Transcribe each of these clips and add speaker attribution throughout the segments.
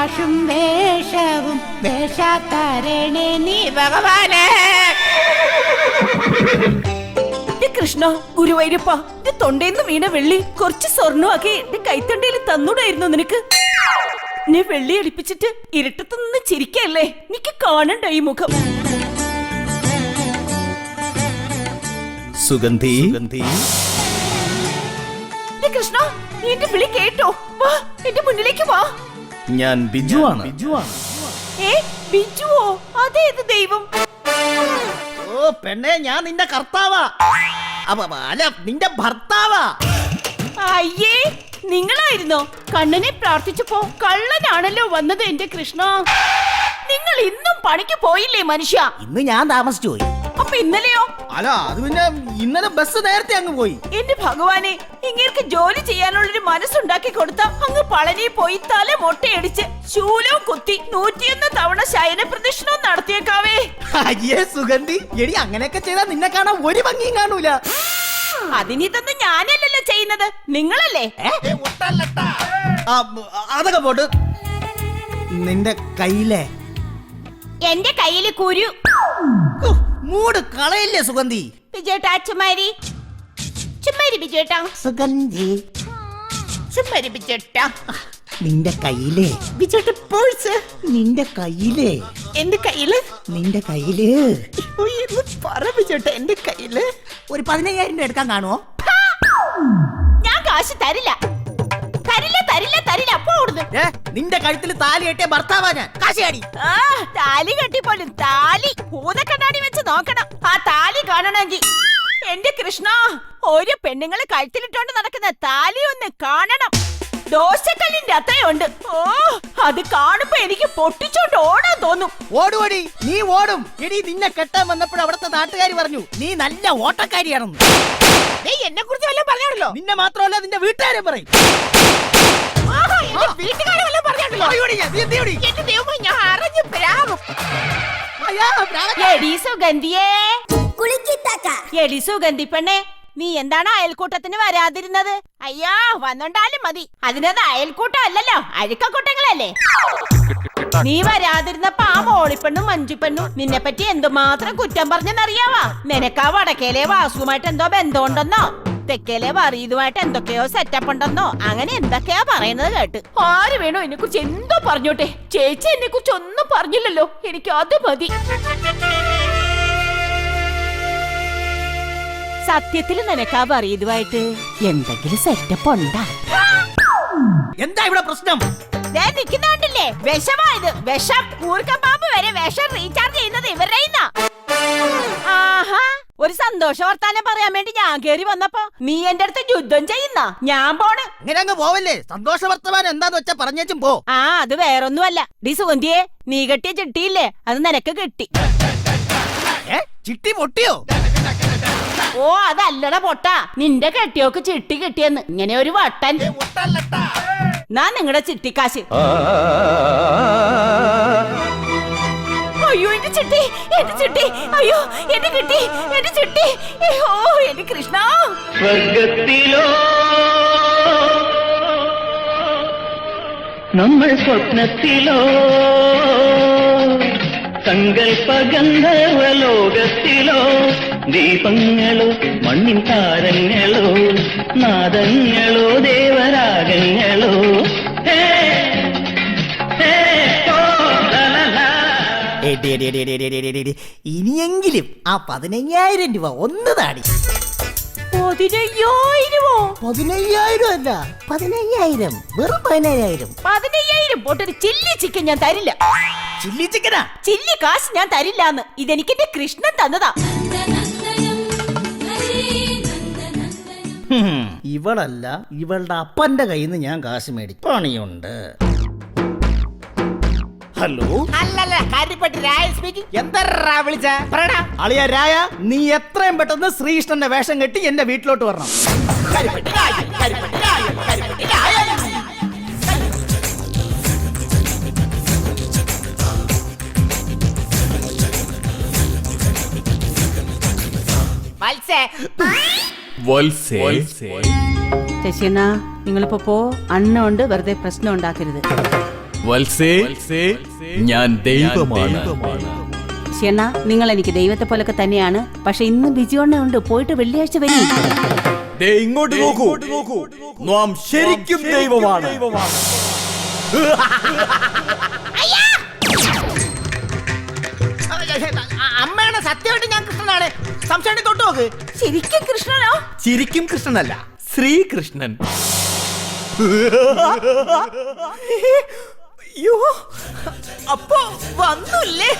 Speaker 1: കാശും വേഷവും വേഷാത്തരണേ നീ ഭഗവാനെ.
Speaker 2: കൃഷ്ണ, ഗുരുവായൂരപ്പ, തൊണ്ടേന്ന് വീണ വെള്ളി കുറച്ച് സ്വർണ്ണമാക്കി എന്റെ കൈത്തണ്ടയിൽ തന്നൂടായിരുന്നു നിനക്ക്. നീ വെള്ളി അടിപ്പിച്ചിട്ട് ഇരുട്ടത്ത് നിന്ന് ചിരിക്കല്ലേ, നിക്ക് കാണണ്ട ഈ മുഖം.
Speaker 3: സുഗന്ധി,
Speaker 2: കൃഷ്ണ, നീ എന്റെ വിളി കേട്ടോ? വാ, എന്റെ മുന്നിലേക്ക് വാ.
Speaker 3: ഞാൻ ബിജുവാണ്.
Speaker 2: ഏ, ബിജുവോ? അതേത് ദൈവം?
Speaker 3: ഓ പെണ്ണെ, ഞാൻ നിന്റെ കർത്താവാ, അല്ല നിന്റെ ഭർത്താവാ.
Speaker 2: അയ്യേ, നിങ്ങളായിരുന്നോ? കണ്ണനെ പ്രാർത്ഥിച്ചപ്പോ കള്ളനാണല്ലോ വന്നത് എന്റെ കൃഷ്ണ. നിങ്ങൾ ഇന്നും പണിക്ക് പോയില്ലേ മനുഷ്യ?
Speaker 3: ഇന്ന് ഞാൻ താമസിച്ചു പോയി.
Speaker 2: അപ്പൊ ഇന്നലെയോ?
Speaker 3: അല്ല, അത് പിന്നെ ഇന്നലെ ബസ് നേരത്തെ അങ്ങ് പോയി.
Speaker 2: എന്റെ ഭഗവാനെ, ഇങ്ങനെ ജോലി ചെയ്യാനുള്ളൊരു മനസ്സുണ്ടാക്കി കൊടുത്ത അങ്ങ് പളനി പോയി തല മൊട്ടയടിച്ച് ശൂലവും കുത്തി 101 തവണ ശയന പ്രദക്ഷിണവും നടത്തിയേക്കാവേ.
Speaker 3: അയ്യേ സുഗന്ധി, എടി അങ്ങനെയൊക്കെ ചെയ്താൽ നിന്നെ കാണാൻ ഒരു ഭംഗിയും കാണൂല.
Speaker 2: അതിനിതൊന്നും ഞാനല്ലല്ലോ ചെയ്യുന്നത്, നിങ്ങളല്ലേ?
Speaker 3: അതൊക്കെ പോട്ട്. നിന്റെ കയ്യിലെ
Speaker 2: എന്റെ കയ്യില് കുരു.
Speaker 3: മൂട് കളയില്ലേ സുഗന്ധി?
Speaker 2: ബിജേട്ടാ, ചുമ്മാരി ചുമ്മാരി ബിജേട്ടാ.
Speaker 3: സുഗന്ധി,
Speaker 2: ചുമ്മാരി ബിജേട്ടാ.
Speaker 3: നിന്റെ കയ്യിലെ
Speaker 2: ബിജേട്ട പേഴ്സ്.
Speaker 3: നിന്റെ കയ്യിലെ
Speaker 2: എന്റെ കയ്യില്
Speaker 3: നിന്റെ കയ്യില്
Speaker 2: പറ ബിജേട്ടാ, എന്റെ കയ്യില്
Speaker 3: ഒരു 15,000 രൂപ എടുക്കാൻ കാണുമോ?
Speaker 2: ഞാൻ കാശ് തരില്ല, തരില്ല, തരില്ല, തരില്ല. അപ്പൊ ഓടുന്നു.
Speaker 3: നിന്റെ കഴുത്തിൽ താലി കെട്ടിയ ഭർത്താവാ ഞാൻ. കാശിയാടി.
Speaker 2: താലി കെട്ടിപ്പോലും താലി ഭൂതക്കണ്ണാടി വെച്ച് നോക്കണം ആ താലി കാണണമെങ്കിൽ. എന്റെ കൃഷ്ണ, ഒരു പെണ്ണുങ്ങള് കഴുത്തിലിട്ടോണ്ട് നടക്കുന്ന താലി ഒന്ന് കാണണം. ദോശക്കല്ലിന്റെ അത്രയുണ്ട്. ഓ, അത് കാണുമ്പോ എനിക്ക് പൊട്ടിച്ചോണ്ട് ഓടാൻ തോന്നും.
Speaker 3: ഓടുവടി, നീ ഓടും. എടി, നിന്നെ കെട്ടാൻ വന്നപ്പോൾ അവിടുത്തെ നാട്ടുകാർ പറഞ്ഞു നീ നല്ല ഓട്ടക്കാരിയാണെന്ന്.
Speaker 2: എന്നെ കുറിച്ച് വല്ലതും പറഞ്ഞാണല്ലോ.
Speaker 3: നിന്നെ മാത്രമല്ല നിന്റെ വീട്ടുകാരെ പറയും.
Speaker 2: വീട്ടുകാരെ വല്ലതും പറഞ്ഞാണല്ലോ. എന്റെ ദൈവമേ, ഞാൻ അറിഞ്ഞു പ്രാകും. എടി സുഗന്ധിയേ, എടി സുഗന്ധി പെണ്ണേ, നീ എന്താണ് അയൽക്കൂട്ടത്തിന് വരാതിരുന്നത്? അയ്യാ, വന്നോണ്ടാലും മതി. അതിനത് അയൽക്കൂട്ടം അല്ലല്ലോ, അഴുക്കക്കൂട്ടങ്ങളല്ലേ. നീ വരാതിരുന്നപ്പോ ആ മോളിപ്പെണ്ണും മഞ്ജുപ്പെണ്ണും നിന്നെ പറ്റി എന്തുമാത്രം കുറ്റം പറഞ്ഞെന്നറിയാവാ. നിനക്കാ വടക്കേലെ വാസുമായിട്ട് എന്തോ ബന്ധമുണ്ടെന്നോ തെക്കേലെ വറീതുമായിട്ട് എന്തൊക്കെയോ സെറ്റപ്പ് ഉണ്ടെന്നോ അങ്ങനെ എന്തൊക്കെയാ പറയുന്നത് കേട്ട്. ആര് വേണോ എന്നെ കുറിച്ച് എന്തോ പറഞ്ഞോട്ടെ, ചേച്ചി എന്നെ കുറിച്ച് ഒന്നും പറഞ്ഞില്ലല്ലോ, എനിക്ക് അത് മതി. സത്യത്തിൽ നിനക്കാ വറീതുമായിട്ട് എന്തെങ്കിലും സെറ്റപ്പ് ഉണ്ടാ?
Speaker 3: എന്താ ഇവിടെ പ്രശ്നം?
Speaker 2: നിക്കുന്നുണ്ടില്ലേ, വിഷമായത് വിഷം. കൂർക്കം പാമ്പ് വരെ വിഷം റീചാർജ് ചെയ്യുന്നത് ഇവരുടെ. ആഹാ, ഒരു സന്തോഷ വർത്താനം പറയാൻ വേണ്ടി ഞാൻ കേറി വന്നപ്പോ നീ എന്റെ അടുത്ത് യുദ്ധം ചെയ്യുന്ന. ഞാൻ പോണ്.
Speaker 3: ഇങ്ങനെ അങ്ങ് പോവല്ലേ. സന്തോഷ വർത്തമാനം എന്താന്ന് വെച്ചാ പറഞ്ഞേച്ചും പോ.
Speaker 2: ആ, അത് വേറൊന്നുമല്ല. ഡി സുഗന്ധിയെ, നീ കെട്ടിയ ചിട്ടിയില്ലേ, അത് നിനക്ക് കിട്ടി.
Speaker 3: ചിട്ടി പൊട്ടിയോ?
Speaker 2: ഓ, അതല്ലട പൊട്ട, നിന്റെ കെട്ടിയോക്ക് ചിട്ടി കിട്ടിയെന്ന്. ഇങ്ങനെ ഒരു വട്ടൻ. ഞാൻ നിങ്ങളുടെ ചിട്ടിക്കാശ്. അയ്യോ, എന്റെ ചിട്ടി, എന്റെ ചിട്ടി, അയ്യോ എന്റെ കിട്ടി, എന്റെ ചിട്ടി. ഓ, എന്റെ കൃഷ്ണ.
Speaker 4: സ്വർഗത്തിലോ നമ്മൾ സ്വപ്നത്തിലോ സങ്കൽപ്പ ഗന്ധർവലോകത്തിലോ ദീപങ്ങളോ മണ്ണിൻ താരങ്ങളോ നാദങ്ങളോ ദേവരാഗങ്ങളോ
Speaker 3: ഇനിയെങ്കിലും ആ 15,000 രൂപ ഒന്ന് താടി.
Speaker 2: 15,000?
Speaker 3: 15,000 അല്ല, 15,000, വെറും 15,000.
Speaker 2: 15,000 പോട്ടൊരു ചില്ലി ചിക്കൻ ഞാൻ തരില്ല.
Speaker 3: ചില്ലി ചിക്കനാ?
Speaker 2: ചില്ലി കാശ് ഞാൻ തരില്ലാന്ന്. ഇതെനിക്ക് എന്റെ കൃഷ്ണൻ തന്നതാ.
Speaker 3: ഇവളല്ല, ഇവളുടെ അപ്പന്റെ കയ്യിൽ നിന്ന് ഞാൻ കാശ് മേടിക്കും. പണിയുണ്ട്. ഹലോ,
Speaker 2: അല്ലല്ല, കാര്യപ്പെട്ട് രായ സ്പീക്കിംഗ്. എന്താ വിളിച്ച?
Speaker 3: അളിയ രായ, നീ എത്രയും പെട്ടെന്ന് ശ്രീകൃഷ്ണന്റെ വേഷം കെട്ടി എന്റെ വീട്ടിലോട്ട് വരണം.
Speaker 1: ശശിയണ്ണ, നിങ്ങളിപ്പോ പോ. അണ്ണുണ്ട്, വെറുതെ പ്രശ്നം ഉണ്ടാക്കരുത്.
Speaker 5: വത്സേ, ഞാൻ ദൈവമാണ്.
Speaker 2: ഷെണ്ണ, നിങ്ങൾ എനിക്ക് ദൈവത്തെ പോലൊക്കെ തന്നെയാണ്. പക്ഷെ ഇന്ന് ബിജുവണ്ണ ഉണ്ട്, പോയിട്ട് വെള്ളിയാഴ്ച വരും.
Speaker 5: ദേ ഇങ്ങോട്ട് നോക്കൂ, നാം ശരിക്കും ദൈവമാണ്.
Speaker 3: അമ്മയാണ് സത്യമായിട്ട് ഞാൻ കൃഷ്ണനാണ്. സംശയം തൊട്ട് നോക്ക്.
Speaker 2: ശരിക്കും കൃഷ്ണനോ?
Speaker 5: ശരിക്കും കൃഷ്ണനല്ല, ശ്രീകൃഷ്ണൻ.
Speaker 3: അയ്യോ, അപ്പൊ വന്നൂല്ലേ?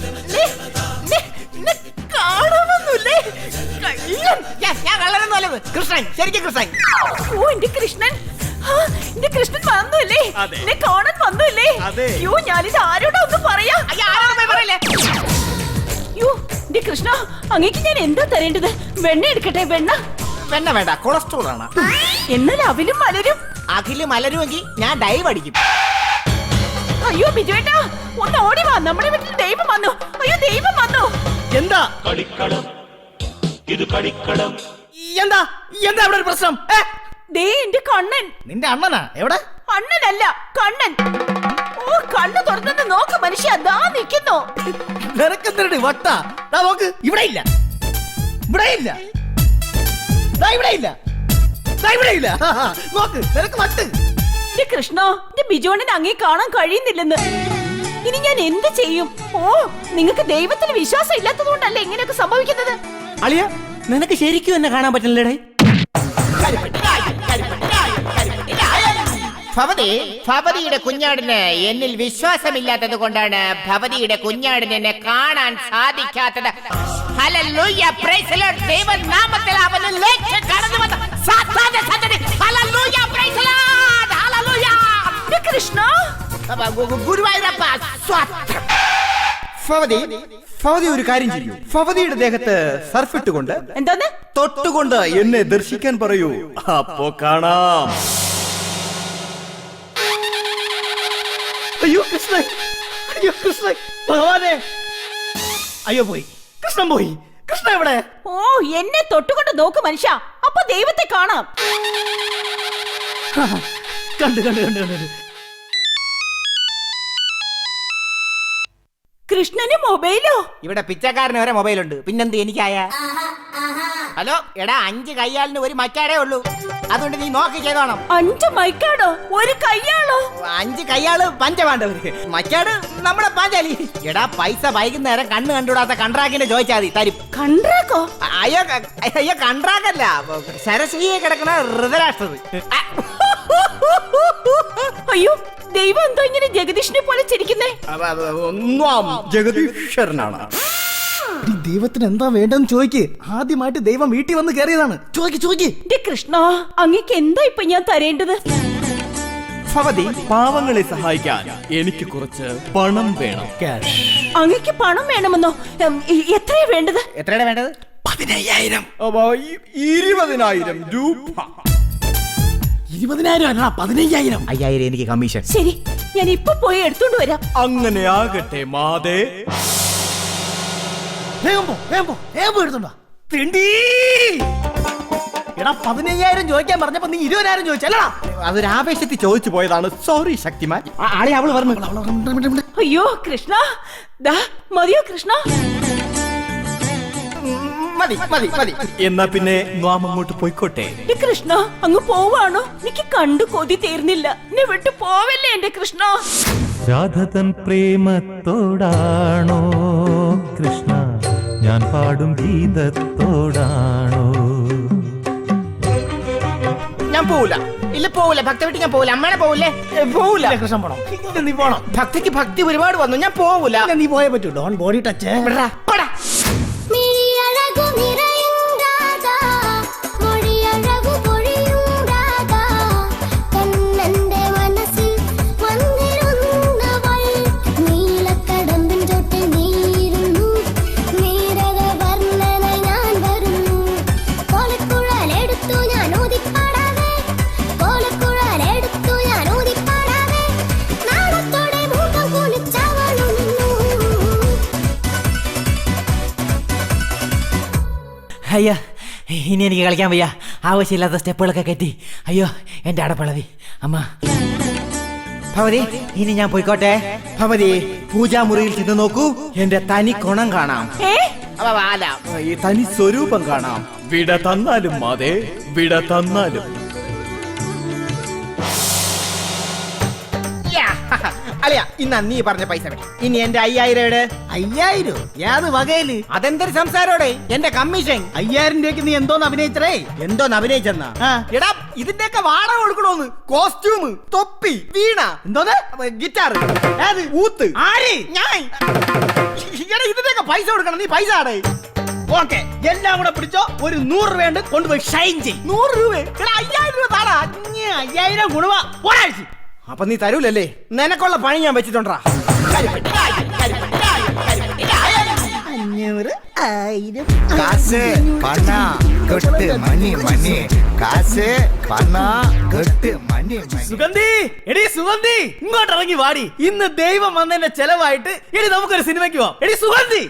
Speaker 3: കാണാമെന്നൂല്ലേ? ഞാൻ കള്ളനൊന്നുമല്ലത്. കൃഷ്ണൻ, ശരിക്കും കൃഷ്ണൻ.
Speaker 2: ഓ, എന്റെ കൃഷ്ണൻ. ആ, എന്റെ കൃഷ്ണൻ വന്നൂല്ലേ? എന്നെ കാണാൻ വന്നൂല്ലേ? അയ്യോ, ഞാനിത് ആരോടാ ഒന്ന് പറയാ?
Speaker 3: പറയല്ലേ?
Speaker 2: അയ്യോ, എന്റെ കൃഷ്ണ, അങ്ങേക്ക് ഞാൻ എന്താ തരേണ്ടത്? വെണ്ണ എടുക്കട്ടെ? വെണ്ണ
Speaker 3: വേണ്ട, കൊളസ്ട്രോൾ ആണ്.
Speaker 2: എന്നാൽ അവിലും മലരും.
Speaker 3: അഖില് മലരുമെങ്കിൽ ഞാൻ ഡൈവ് അടിക്കും.
Speaker 2: അയ്യോ ബിജുവേട്ടാ, ഒന്ന് ഓടി വാ, നമ്മുടെ വീട്ടിൽ ദൈവം വന്നു. അയ്യോ, ദൈവം വന്നു.
Speaker 3: എന്താ എന്താ എന്താ ഇവിടെ ഒരു പ്രശ്നം?
Speaker 2: ദേ എന്റെ കണ്ണൻ.
Speaker 3: നിന്റെ അണ്ണനാ? എവിടെ?
Speaker 2: അണ്ണനല്ല, കണ്ണൻ. ഓ, കണ്ണ് തുറന്നു നോക്ക് മനുഷ്യ, ദാ നിൽക്കുന്നു.
Speaker 3: നിനക്കെന്തരടി വട്ട? നോക്ക്, ഇവിടെ ഇല്ല, ഇവിടെ ഇല്ല, ഇവിടെ ഇല്ല, ഇവിടെ ഇല്ല. നോക്ക്, നിനക്ക് വട്ട്.
Speaker 2: എന്റെ കൃഷ്ണ, എന്റെ ബിജോണിന് അങ്ങേ കാണാൻ കഴിയുന്നില്ലെന്ന്. ഇനി ഞാൻ എന്ത് ചെയ്യും? ഓ, നിങ്ങൾക്ക് ദൈവത്തിൽ വിശ്വാസം ഇല്ലാത്തതുകൊണ്ടല്ലേ ഇങ്ങനെയൊക്കെ സംഭവിക്കുന്നത്?
Speaker 3: അളിയ, നിനക്ക് ശരിക്കും എന്നെ കാണാൻ പറ്റില്ലടേ. ഭവതിയുടെ കുഞ്ഞാടിന് എന്നിൽ വിശ്വാസമില്ലാത്തത് കൊണ്ടാണ് ഭവതിയുടെ കുഞ്ഞാടിന് എന്നെ കാണാൻ സാധിക്കാത്തത്. Hallelujah, praise the Lord. ദൈവനാമത്തിൽ അവന് ലേഖ്യം കടന്നു വന്ന സാത്താന്റെ സന്തതി. Hallelujah, praise the Lord. Hallelujah.
Speaker 2: Krishna,
Speaker 3: Guruvayurappa സ്വത്രം.
Speaker 5: ഭവതി ഒരു കാര്യം ചെയ്യൂ. ഭവതിയുടെ ദേഹത്ത് സർഫ് ഇട്ടുകൊണ്ട്
Speaker 2: എന്തോന്ന്
Speaker 5: തൊട്ടുകൊണ്ട് എന്നെ ദർശിക്കാൻ പറയൂ, അപ്പോ കാണാം.
Speaker 3: അയ്യോ കൃഷ്ണൻ, അയ്യോ കൃഷ്ണൻ, ഭഗവാനെ. അയ്യോ പോയി, കൃഷ്ണൻ പോയി. കൃഷ്ണ എവിടെ?
Speaker 2: ഓ, എന്നെ തൊട്ടുകൊണ്ട് നോക്ക് മനുഷ്യ, അപ്പൊ ദൈവത്തെ കാണാം.
Speaker 3: കണ്ടു കണ്ടു കണ്ടു കണ്ടു.
Speaker 2: കൃഷ്ണന് മൊബൈലോ?
Speaker 3: ഇവിടെ പിച്ചക്കാരന് വരെ മൊബൈലുണ്ട്, പിന്നെന്ത് എനിക്കായ? ഹലോ എടാ, 5 കയ്യാലിന് ഒരു മക്കാടേ ഉള്ളൂ, അതുകൊണ്ട് നീ നോക്കി ചെയ്തോണം.
Speaker 2: 5 മൈക്കാടോ? ഒരു കയ്യാളോ?
Speaker 3: 5 കയ്യാള് പഞ്ചപാണ്ഡവര്, മക്കാട് നമ്മുടെ പാഞ്ചാലി. എടാ, പൈസ വൈകുന്നേരം കണ്ണ് കണ്ടുകൂടാത്ത കണ്ട്രാക്കിന്റെ ചോദിച്ചാൽ മതി, തരും.
Speaker 2: കണ്ട്രാക്കോ?
Speaker 3: അയ്യോ അയ്യോ, കണ്ട്രാക്കല്ല, സരസ്വതിയെ കിടക്കണ ഋതരാഷ്ട്രത്.
Speaker 2: അയ്യോ, ദൈവം എന്തോ ഇങ്ങനെ ജഗദീഷിനെ പോലെ ചിരിക്കുന്നേ?
Speaker 5: ജഗദീശ്വരനാണ്.
Speaker 3: ദൈവത്തിന് എന്താ വേണ്ടെന്ന് ചോദിക്ക്. ആദ്യമായിട്ട് ദൈവം വീട്ടിൽ വന്ന് കയറിയതാണ്. ചോദിക്ക്.
Speaker 2: കൃഷ്ണ, അങ്ങേക്ക് എന്താ ഇപ്പൊ ഞാൻ തരേണ്ടത്?
Speaker 5: ഭവതി, പാവങ്ങളെ സഹായിക്കാൻ എനിക്ക് കുറച്ച് പണം വേണം.
Speaker 2: അങ്ങേക്ക് പണം വേണമെന്നോ? എത്രയാ വേണ്ടത്?
Speaker 3: എത്രയാണ് വേണ്ടത്?
Speaker 5: 15,000. 20,000 രൂപ.
Speaker 3: 20,000 അല്ല, 15,000. 5,000 എനിക്ക് കമ്മീഷൻ.
Speaker 2: ശരി, ഞാൻ ഇപ്പൊ പോയി എടുത്തോണ്ട് വരാം.
Speaker 5: അങ്ങനെ ആകട്ടെ മാതേ.
Speaker 3: വേഗം പോ എടുത്തോണ്ടോ. എടാ, 15,000 ചോദിക്കാൻ പറഞ്ഞപ്പോ നീ 20,000 ചോദിച്ചല്ലടാ.
Speaker 5: അതൊരു ആവേശത്തിൽ ചോദിച്ചു പോയതാണ്. സോറി ശക്തിമാൻ.
Speaker 3: ആളെ അവള് പറഞ്ഞു.
Speaker 2: അയ്യോ കൃഷ്ണ, ദാ മതിയോ കൃഷ്ണ?
Speaker 3: മതി.
Speaker 5: എന്നാ പിന്നെ നാം അങ്ങോട്ട് പോയിക്കോട്ടെ.
Speaker 2: കൃഷ്ണ, അങ്ങ് പോവാണോ? എനിക്ക് കണ്ടു കൊതി തീർന്നില്ല. എന്നെ വിട്ടു പോവല്ലേ എന്റെ കൃഷ്ണ.
Speaker 6: രാധതൻ പ്രേമത്തോടാണോ കൃഷ്ണ ഞാൻ പാടും ഗീതത്തോടാണോ?
Speaker 3: ഞാൻ പോവില്ല. ഭക്തി വിട്ട് ഞാൻ പോവില്ല. അമ്മേനെ പോവില്ല. കൃഷ്ണൻ പോണം. നീ പോണം. ഭക്തിക്ക് ഭക്തി ഒരുപാട് വന്നു, ഞാൻ പോവില്ല. നീ പോയേ പറ്റൂ. Don't body touch. അയ്യോ, ഇനി എനിക്ക് കളിക്കാൻ വയ്യ. ആവശ്യമില്ലാത്ത സ്റ്റെപ്പുകളൊക്കെ കെട്ടി. അയ്യോ, എന്റെ അടപ്പളവി. അമ്മ ഭവതി ഇനി ഞാൻ പോയിക്കോട്ടെ. ഭവതി പൂജാമുറിയിൽ ചെന്ന് നോക്കൂ, എന്റെ തനി കൊണം കാണാം.
Speaker 5: ഈ തനി സ്വരൂപം കാണാം. വിട തന്നാലും മാതേ, വിട തന്നാലും.
Speaker 3: അളിയ ഇന്ന് നീ പറഞ്ഞ പൈസ വേണം. ഇനി എന്റെ 5000
Speaker 7: 5000 ഏത് വകയില്?
Speaker 3: അതെന്തൊരു സംസാരോടെ? എന്റെ കമ്മീഷൻ
Speaker 7: 5000 രൂപയ്ക്ക് നീ എന്തോന്ന് അഭിനയിച്ചേ?
Speaker 3: എന്തോന്ന് അഭിനയിച്ചെന്നാ?
Speaker 7: എടാ ഇതിന്റെയൊക്കെ വാടക കൊടുക്കണോന്ന്. കോസ്റ്റ്യൂം, തൊപ്പി, വീണ, എന്തോന്ന്
Speaker 3: ഗിറ്റാർ,
Speaker 7: ഊത്ത്.
Speaker 3: ആര്? ഞാൻ.
Speaker 7: എടാ ഇതിന്റെയൊക്കെ പൈസ കൊടുക്കണം. നീ പൈസ ആടേ. ഓക്കെ എല്ലാം കൂടെ പിടിച്ചോ. ഒരു 100 രൂപ കൊണ്ടുപോയി ഷൈൻ ചെയ്യും. 100 രൂപ? എടാ 5000 രൂപ താടാ. 5000 ഗുണവാ ഒരാഴ്ച.
Speaker 3: അപ്പൊ നീ തരൂലല്ലേ? നിനക്കുള്ള പണി ഞാൻ വെച്ചിട്ടുണ്ടാ.
Speaker 7: 500, 1000.
Speaker 8: காசு பணம் கொட்டு மணி மணி காசு பணம் கொட்டு மணി മണി.
Speaker 7: സുഗന്ധി, എടി സുഗന്ധി, ഇങ്ങോട്ട് ഇറങ്ങി വാടി. ഇന്ന് ദൈവം വന്നതിന്റെ ചെലവായിട്ട് എടി നമുക്കൊരു സിനിമയ്ക്ക് പോവാം. എടി സുഗന്ധി.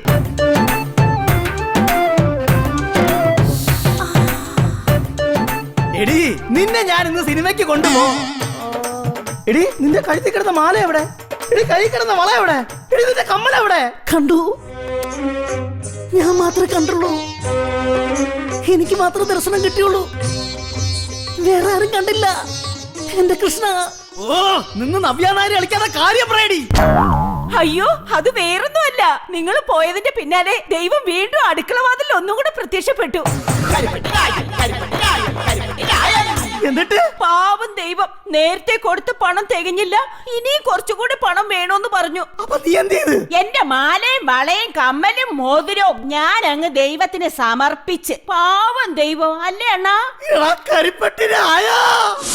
Speaker 7: എടി നിന്നെ ഞാൻ ഇന്ന് സിനിമയ്ക്ക് കൊണ്ടുപോകും. എടി നിന്റെ കഴുത്തിൽ കിടന്ന മാല എവിടെ? എടി കൈ കിടന്ന വള എവിടെ? എടി നിന്റെ കമ്മൽ എവിടെ? കണ്ടു, ഞാൻ മാത്രമേ കണ്ടുള്ളൂ. എനിക്ക് മാത്രം ദർശനം കിട്ടിയുള്ളൂ, വേറെ ആരും കണ്ടില്ല. എന്റെ കൃഷ്ണ. ഓ നിന്ന് നവ്യാനാരി കളിക്കാതെ കാര്യം പറയടി.
Speaker 2: അയ്യോ, അത് വേറൊന്നുമല്ല. നിങ്ങൾ പോയതിന്റെ പിന്നാലെ ദൈവം വീണ്ടും അടുക്കളവാതിൽ ഒന്നും കൂടെ പ്രത്യക്ഷപ്പെട്ടു.
Speaker 7: എന്നിട്ട്
Speaker 2: പാവം ദൈവം നേരത്തെ കൊടുത്ത പണം തികഞ്ഞില്ല, ഇനിയും കുറച്ചുകൂടി പണം വേണോന്ന് പറഞ്ഞു.
Speaker 7: അപ്പൊ നീ എന്ത് ചെയ്ത്?
Speaker 2: എന്റെ മാലയും വളയും കമ്മലും മോതിരവും ഞാൻ അങ്ങ് ദൈവത്തിന് സമർപ്പിച്ച്. പാവം ദൈവം അല്ലേ അണ്ണാ?
Speaker 7: കരിപ്പട്ടിനായ